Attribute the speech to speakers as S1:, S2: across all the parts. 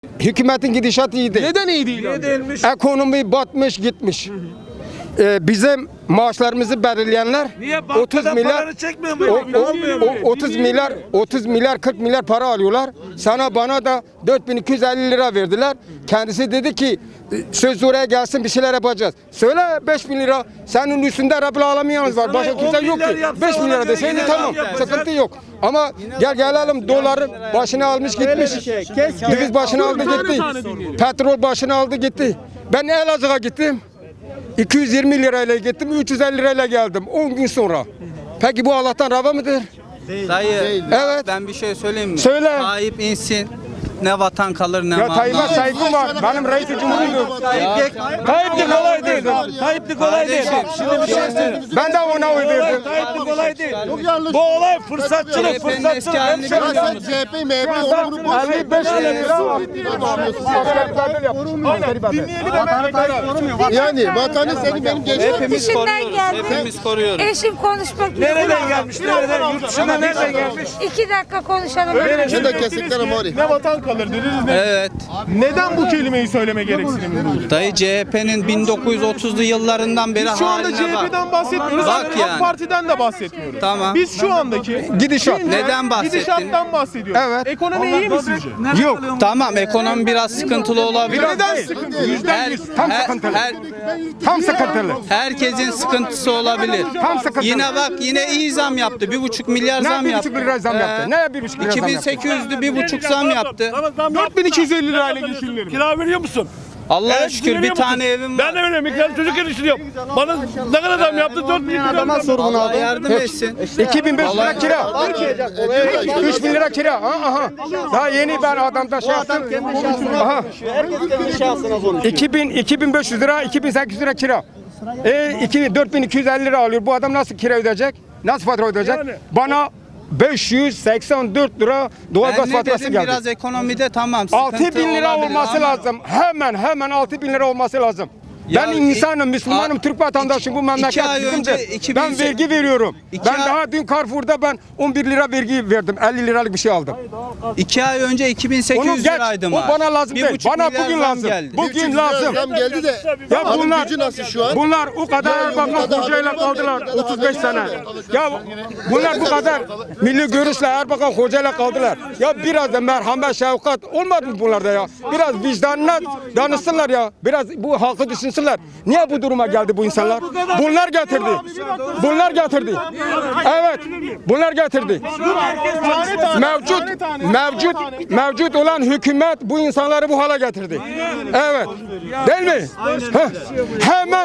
S1: Hükümetin gidişatı iyi değil.
S2: Neden iyi değil?
S1: Ekonomi batmış gitmiş. Bizim maaşlarımızı belirleyenler
S3: Niye
S1: 30
S3: bankadan
S1: milyar
S3: paranı çekmiyor mu?
S1: 30 milyar 40 milyar para alıyorlar. Sana bana da 4250 lira verdiler. Kendisi dedi ki söz oraya gelsin bir şeyler yapacağız. Söyle 5000 lira. Senin üstünde Rabbil Alemin var. Başka kimse
S3: 10
S1: yok
S3: milyar
S1: ki.
S3: yapsa
S1: 5
S3: ona
S1: milyara
S3: göre
S1: deseydin
S3: yine
S1: tamam.
S3: zam yapacak.
S1: Sıkıntı yok. Ama gelelim doların başını almış gitmiş. Döviz başını aldı gitti. Petrol başını aldı gitti. Ben Elazığ'a gittim. 220 lirayla gittim, 350 lirayla geldim 10 gün sonra. Peki bu Allah'tan rava mıdır?
S4: Dayı,
S1: Evet.
S4: ben bir şey söyleyeyim mi?
S1: Söyle.
S4: Tayyip insin, ne vatan kalır ne
S1: Ya
S4: mal.
S1: Tayyip'e saygım var. Benim reis-i cumhuruyum.
S3: Tayyip'lik kolay değil. Tayyip'lik kolay değil. Şimdi bir şey söyleyeyim.
S1: Ben de ona oy verdim.
S3: Tayyip'lik kolay değil. Bu olay fırsatçılık,
S4: CHP'nin eski halini
S3: fırsatçılık.
S4: biliyor musun?
S5: CHP, MHP, onu bunu boş ver.
S1: 55 lira var.
S5: Yani vatanı senin benim gençlerim.
S4: Hepimiz
S6: Dışından
S4: koruyoruz,
S6: geldim.
S4: hepimiz koruyoruz.
S6: Eşim konuşmak
S3: Nereden gelmiş? Nereden? Yurt dışından nereden gelmiş?
S6: 2 dakika konuşalım.
S5: Şu da kesikler ama oraya.
S2: Ne vatan kalır dediniz ne?
S4: Evet.
S2: Neden bu kelimeyi söyleme gereksinimi duydu?
S4: Dayı CHP'nin 1930'lu yıllarından beri
S2: Biz şu anda
S4: haline bak.
S2: CHP'den bahsetmiyoruz.
S4: Bak
S2: AK
S4: yani.
S2: Parti'den de bahsetmiyoruz.
S4: Tamam.
S2: Biz şu andaki
S1: Gidişat.
S4: Neden bahsettin?
S2: gidişattan bahsediyoruz.
S1: Evet.
S2: Ekonomi iyi mi sizce?
S1: Yok.
S4: Tamam, ekonomi biraz sıkıntılı olabilir.
S2: Neden sıkıntı?
S1: Tam sıkıntılı. Tam sıkıntılı.
S4: herkesin sıkıntısı olabilir.
S1: Tam sıkıntılı.
S4: Yine bak yine iyi zam yaptı. 1,5 milyar
S1: Ne
S4: zam yaptı.
S1: 1,5 lira zam yaptı? Ne 1,5 lira zam yaptı?
S4: 2800'lü 1,5 zam yaptı.
S2: 4250 lirayla geçinilir mi?
S3: Kira veriyor musun?
S4: Allah'a şükür bir tane evim var.
S3: Ben de veriyorum. İki çocuk yetiştiriyorum. Bana ne kadar zam yaptı? 4 bin lira.
S4: Allah yardım etsin.
S1: 2500 lira kira. 3000 lira kira. Aha. Daha yeni ben adamda şey yaptım. Aha. 2500 lira, 2800 lira kira. 4250 lira alıyor. Bu adam nasıl kira ödeyecek? Nasıl fatura ödeyecek? Bana 584 lira doğalgaz
S4: Ben ne
S1: faturası
S4: dedim
S1: geldi.
S4: biraz ekonomide tamam.
S1: 6000 lira
S4: olabilir
S1: olması
S4: ama
S1: lazım. Hemen 6000 lira olması lazım.
S4: Ya
S1: Ben insanım, Müslümanım,
S4: a-
S1: Türk vatandaşım. Bu memleket
S4: 2 ay
S1: bizimdir.
S4: önce 2000
S1: Ben vergi veriyorum.
S4: İki
S1: Ben
S4: ay-
S1: daha dün Carrefour'da ben 11 lira vergi verdim. 50 liralık bir şey aldım.
S4: 2 ay önce
S1: Onu
S4: 2800
S1: geç.
S4: liraydı
S1: O
S4: maaş.
S1: bana lazım değil.
S4: 1,5
S1: Bana
S4: milyar
S1: bugün
S4: zam
S1: lazım.
S4: geldi.
S1: Bugün lazım.
S5: Zam geldi de.
S1: Ya
S5: Alım
S1: bunlar
S5: gücü nasıl şu an?
S1: Bunlar o kadar Erbakan Hoca'yla kaldılar 35 sene. Ya bunlar bu kadar milli görüşle Erbakan Hoca'yla kaldılar. Ya biraz da merhamet, şefkat olmadı mı bunlarda ya? Biraz vicdanına danışsınlar ya. Biraz bu halkı düşünsünler. Niye bu duruma geldi bu insanlar? Bunlar getirdi. Bunlar getirdi. Evet. Bunlar getirdi. Mevcut olan hükümet bu insanları bu hale getirdi. Evet. Değil mi? Heh. Hemen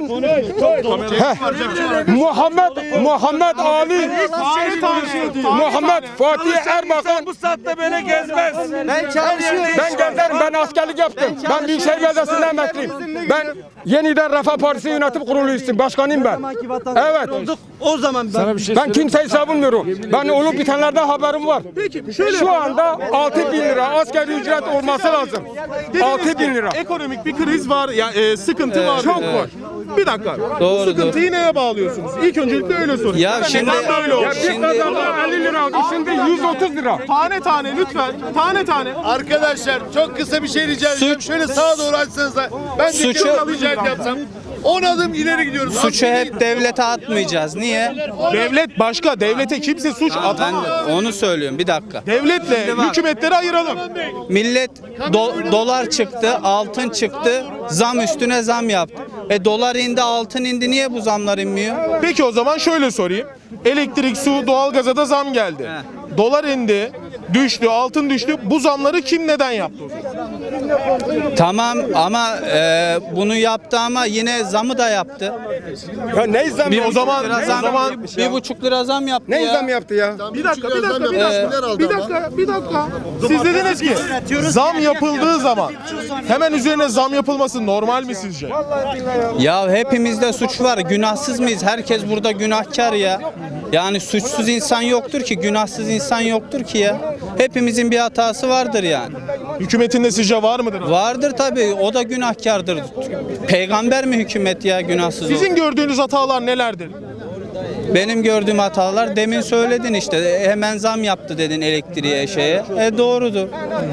S1: Muhammed Ali Muhammed Fatih Erbakan
S3: Bu saatte beni gezmez.
S1: ben gezerim, ben askerlik yaptım. Ben Büyükşehir Belediyesi'nden emekliyim. Ben yeniden Refah Partisi yönetim kurulu üyesiyim. Başkanıyım ben. Evet.
S7: O zaman
S1: Ben kimseyi savunmuyorum. Ben olup bitenlerden haberim var. Şu anda 6000 lira asgari ücret olması lazım. 6000 lira.
S2: Ekonomik bir kriz var, ya sıkıntı var.
S1: Çok var.
S2: Bir dakika. Bu
S4: Doğru,
S2: sıkıntıyı neye bağlıyorsunuz? İlk öncelikle öyle sorayım.
S4: Ya şimdi
S2: Neden böyle oldu?
S1: Ya bir kadar 50 lira aldı. Şimdi 130 lira.
S2: Tane tane lütfen. Tane tane.
S5: Arkadaşlar çok kısa bir şey rica edeceğim. Şöyle sağa doğru açsanız da ben de
S4: Suçu-
S5: kilo alacak yapsam 10 adım ileri gidiyoruz.
S4: suçu hep devlete atmayacağız. Niye?
S2: Devlet başka. Devlete kimse suç
S4: Ben
S2: atamaz.
S4: de onu söylüyorum bir dakika.
S2: Devletle
S4: Şimdi bak.
S2: hükümetleri ayıralım.
S4: Millet dolar çıktı, altın çıktı, zam üstüne zam yaptı. Dolar indi, altın indi. Niye bu zamlar inmiyor?
S2: Peki o zaman şöyle sorayım. Elektrik, su, doğalgaza da zam geldi. Dolar indi, düştü, altın düştü. Bu zamları kim neden yaptı o zaman?
S4: Tamam ama bunu yaptı ama yine zamı da yaptı.
S1: Ya ne zam
S2: O zaman
S4: Bir buçuk lira zam yaptı
S1: ne
S4: ya.
S1: zam yaptı ya?
S2: bir dakika.
S5: Aldı
S2: Bir dakika. Siz dediniz ki zam yapıldığı zaman hemen üzerine zam yapılması normal mi sizce?
S4: Ya hepimizde suç var. Günahsız mıyız? Herkes burada günahkar ya. Yani suçsuz insan yoktur ki, günahsız insan yoktur ki ya. Hepimizin bir hatası vardır yani.
S2: Hükümetin de sizce var mıdır?
S4: Vardır tabii. O da günahkardır. Peygamber mi hükümet ya günahsız olur?
S2: Sizin gördüğünüz hatalar nelerdir?
S4: Benim gördüğüm hatalar demin söyledin işte. Hemen zam yaptı dedin elektriğe şeye. Doğrudur.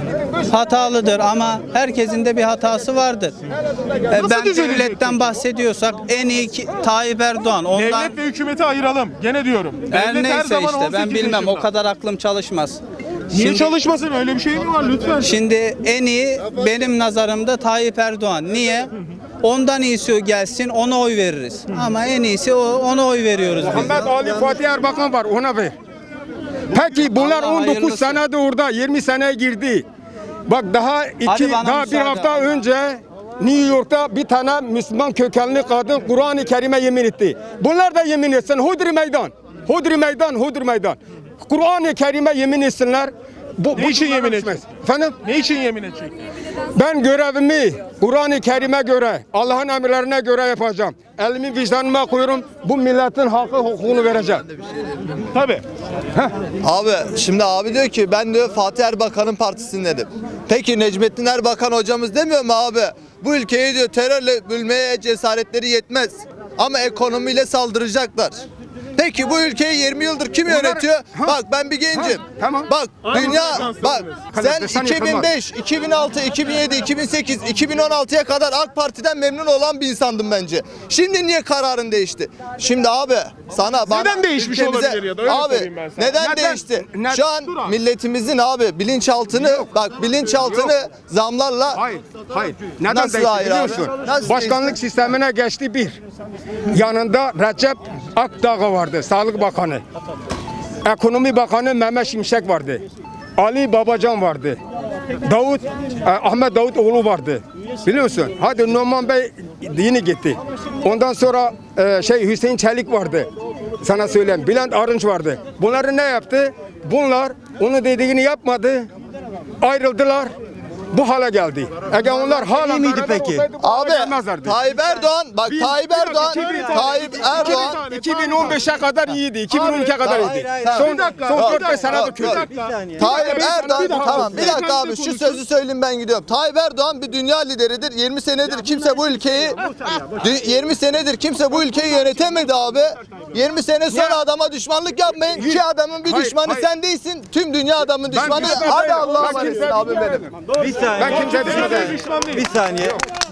S4: hatalıdır ama herkesin de bir hatası vardır. Ben
S2: düzelecek
S4: devletten bahsediyorsak en iyi Tayyip Erdoğan. Ondan
S2: Devlet ve hükümeti ayıralım. Gene diyorum.
S4: her
S2: Devlet
S4: neyse
S2: zaman
S4: işte ben
S2: 18
S4: bilmem
S2: yaşında.
S4: o kadar aklım çalışmaz.
S2: Niye çalışmasın? Öyle bir şey mi var lütfen?
S4: Şimdi en iyi benim nazarımda Tayyip Erdoğan. Niye? Ondan iyisi gelsin ona oy veririz. Ama en iyisi ona oy veriyoruz biz.
S1: Muhammed Ali Fatih Erbakan var, ona ver. Peki bunlar
S4: Allah
S1: 19
S4: hayırlısı.
S1: senede orada, 20 seneye girdi. Bak daha
S4: Hadi bana
S1: bir
S4: müsaade.
S1: hafta önce New York'ta bir tane Müslüman kökenli kadın Kur'an-ı Kerim'e yemin etti. Bunlar da yemin etsin. Hodri meydan. Hodri meydan, hodri meydan. Kur'an-ı Kerim'e yemin etsinler.
S2: Ne için yemin
S1: düşmez.
S2: edecek?
S1: Efendim?
S2: Ne için yemin edecek?
S1: Ben görevimi Kur'an-ı Kerim'e göre, Allah'ın emirlerine göre yapacağım. Elimi vicdanıma koyuyorum. Bu milletin hakkı hukukunu vereceğim.
S2: Tabii.
S7: Abi şimdi abi diyor ki ben diyor Fatih Erbakan'ın partisindenim. Peki Necmettin Erbakan hocamız demiyor mu abi? Bu ülkeyi diyor terörle bölmeye cesaretleri yetmez. Ama ekonomiyle saldıracaklar. Peki bu ülkeyi 20 yıldır kim yönetiyor? Bak ben bir gencim.
S1: Tamam.
S7: Bak dünya bak sen
S1: Kanıtlasan
S7: 2005, 2006, 2007, 2008, 2016'ya kadar AK Parti'den memnun olan bir insandım bence. Şimdi niye kararın değişti? Şimdi abi sana bana
S2: Neden değişmiş olabilir ya da öyle
S7: abi
S2: sorayım ben sana.
S7: neden değişti? Şu an milletimizin abi bilinçaltını zamlarla
S1: Hayır, hayır. Neden
S7: Nasıl
S1: değişti
S7: hayır
S1: biliyor
S7: abi?
S1: musun?
S7: Nasıl
S1: Başkanlık
S7: değişti?
S1: sistemine geçti bir. Yanında Recep Akdağ vardı, Sağlık Bakanı. Ekonomi Bakanı Mehmet Şimşek vardı. Ali Babacan vardı. Ahmet Davutoğlu vardı. Biliyor musun? Hadi Numan Bey yeni gitti. Ondan sonra Hüseyin Çelik vardı. Sana söyleyeyim. Bülent Arınç vardı. Bunları ne yaptı? Bunlar onu dediğini yapmadı. Ayrıldılar. Bu hale geldi. Eğer onlar hala
S3: miydi
S1: beraber
S3: peki?
S1: olsaydı bu hale
S7: abi
S1: gelmezlerdi.
S7: Tayyip Erdoğan bak Tayyip Erdoğan
S1: 2015'e kadar iyiydi. 2012'ye kadar iyiydi. Son 4-5 senedir kötü.
S7: Tayyip Erdoğan tamam bir dakika
S2: Beyefendi
S7: abi şu
S2: konuşsun.
S7: sözü söyleyeyim ben gidiyorum. Tayyip Erdoğan bir dünya lideridir. 20 senedir kimse bu ülkeyi 20 senedir kimse bu ülkeyi yönetemedi abi. 20 sene sonra adama düşmanlık yapmayın. İki adamın bir
S1: Hayır,
S7: düşmanı
S1: hayır.
S7: sen değilsin. Tüm dünya adamın düşmanı.
S1: düşman
S7: Hadi
S1: değilim.
S7: Allah'a
S1: Ben
S7: emanet
S1: kimseye
S7: abi
S1: düşman
S7: benim.
S3: Bir saniye.
S1: Ben kimseye düşman değilim.
S3: Bir saniye.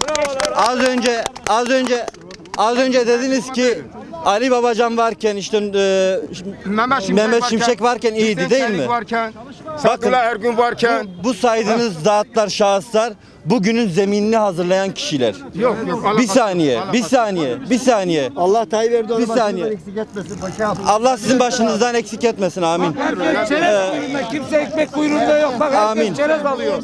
S3: Az önce dediniz ki Ali Babacan varken işte Mehmet Şimşek varken iyiydi
S1: Hüseyin
S3: değil
S1: Çelik
S3: mi?
S1: Varken, Sadullah Ergün varken.
S3: Bu saydığınız zatlar, şahıslar bugünün zeminini hazırlayan kişiler.
S1: Yok.
S3: Bir saniye.
S8: Allah Tayyip Erdoğan'ı
S3: Bir
S8: başımızdan
S3: saniye.
S8: eksik etmesin paşam.
S3: Allah sizin başınızdan eksik etmesin. Amin.
S9: Kimse ekmek kuyruğunda yok. Bak
S3: Amin.
S9: herkes çerez alıyor.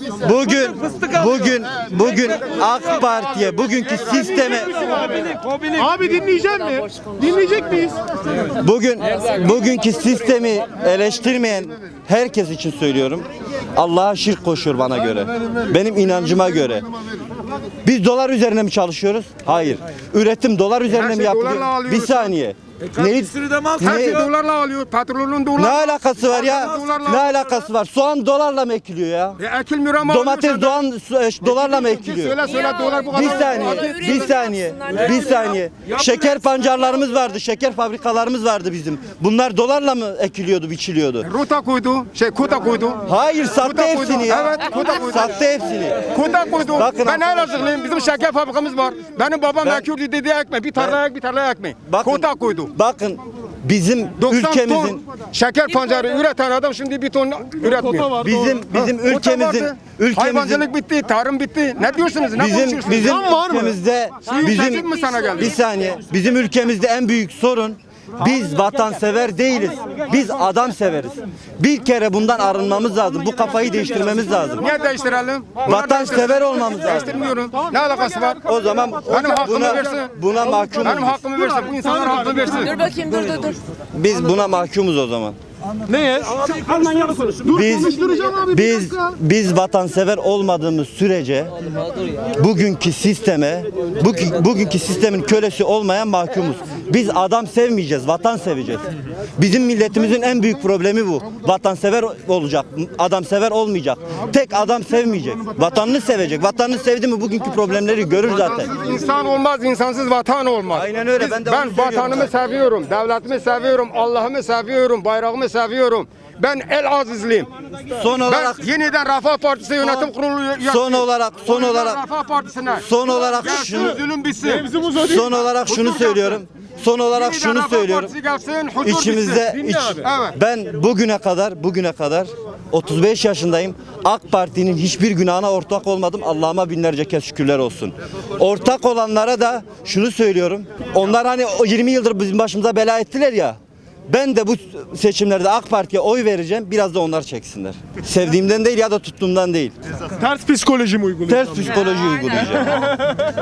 S3: Bugün AK Parti'ye, bugünkü sisteme
S2: Abi dinleyecek mi? Dinleyecek miyiz?
S3: bugünkü sistemi eleştirmeyen herkes için söylüyorum. Allah'a şirk koşuyor bana göre. Benim inancıma göre. Biz dolar üzerine mi çalışıyoruz? Hayır. Üretim dolar üzerine
S1: Her
S3: mi
S1: şey
S3: yapılıyor?
S1: dolarla alıyoruz.
S3: Bir saniye.
S9: Bir sürü de mal
S1: Her şey
S9: satıyor.
S1: dolarla alıyor. Petrolün dolar.
S3: Ne alakası var ya?
S1: Dolarla
S3: Ne alakası var? Soğan dolarla mı ekiliyor ya?
S1: Ekilmiyor ama
S3: Domates,
S1: alıyorsa da-
S3: dolarla mı ekiliyor?
S1: Söyle dolar bu kadar.
S3: Bir saniye. Şeker pancarlarımız vardı, şeker fabrikalarımız vardı bizim. Bunlar dolarla mı ekiliyordu, biçiliyordu?
S1: Rota koydu. Kota koydu.
S3: Hayır, sattı
S1: Kuta koydu.
S3: hepsini ya.
S1: Evet, kuta koydu.
S3: Sattı hepsini.
S1: Kota koydu.
S3: Bakın
S1: Ben
S3: arkadaşlar.
S1: Elazığlıyım. Bizim şeker fabrikamız var. Benim babam
S3: Ben-
S1: ekürdü dediği ekmek. Bir tarlaya ekmek.
S3: Bakın,
S1: Kota koydu.
S3: Bakın bizim
S1: 90
S3: ülkemizin
S1: ton şeker pancarı üreten adam şimdi bir ton üretmiyor.
S3: bizim
S1: Kota vardı.
S3: ülkemizin
S1: Hayvancılık bitti, tarım bitti. Ne diyorsunuz? Ne konuşuyorsunuz?
S3: bizim
S1: Zam var mı?
S3: ülkemizde
S1: Tehdit mi sana geldi?
S3: bir saniye. Bizim ülkemizde en büyük sorun biz vatansever değiliz. Biz adam severiz. Bir kere bundan arınmamız lazım. Bu kafayı değiştirmemiz lazım.
S1: Niye değiştirelim?
S3: Vatansever olmamız lazım.
S1: Değiştirmiyorum. Ne alakası var?
S3: O zaman
S1: Benim hakkımı versin.
S3: buna mahkumuz.
S1: Benim hakkımı versin. Bu insanlar hakkını versin.
S6: Dur bakayım dur.
S3: Biz buna mahkumuz o zaman.
S2: Neye?
S3: Biz vatansever olmadığımız sürece bugünkü sistemin kölesi olmayan mahkumuz. Biz adam sevmeyeceğiz, vatan seveceğiz. Bizim milletimizin en büyük problemi bu. Vatansever olacak, adamsever olmayacak. Tek adam sevmeyecek, vatanını sevecek. Vatanını sevdi mi bugünkü problemleri görür zaten.
S1: İnsan olmaz, insansız vatan olmaz.
S3: Aynen öyle, ben de onu
S1: Ben
S3: söylüyorum
S1: vatanımı
S3: zaten.
S1: seviyorum, devletimi seviyorum, Allah'ımı seviyorum, bayrağımı seviyorum. Ben El Azizliyim.
S3: Son
S1: Ben
S3: olarak
S1: yeniden Refah Partisi yönetim kurulu üyesiyim.
S3: son olarak
S1: Refah Partisi'ne.
S3: son olarak
S1: Gelsin,
S3: şunu
S1: zulüm bitsin.
S3: son olarak şunu söylüyorum. Son olarak
S1: Yeniden
S3: şunu
S1: Refah
S3: söylüyorum.
S1: Partisi gelsin, huzur
S3: İçimizde
S1: bitsin. Evet.
S3: ben bugüne kadar 35 yaşındayım. AK Parti'nin hiçbir günahına ortak olmadım. Allah'ıma binlerce kez şükürler olsun. Ortak olanlara da şunu söylüyorum. Onlar hani o 20 yıldır bizim başımıza bela ettiler ya. Ben de bu seçimlerde AK Parti'ye oy vereceğim. Biraz da onlar çeksinler. Sevdiğimden değil ya da tuttuğumdan değil.
S2: Ters psikoloji mi uyguluyorsun?
S3: Ters psikoloji uygulayacağım.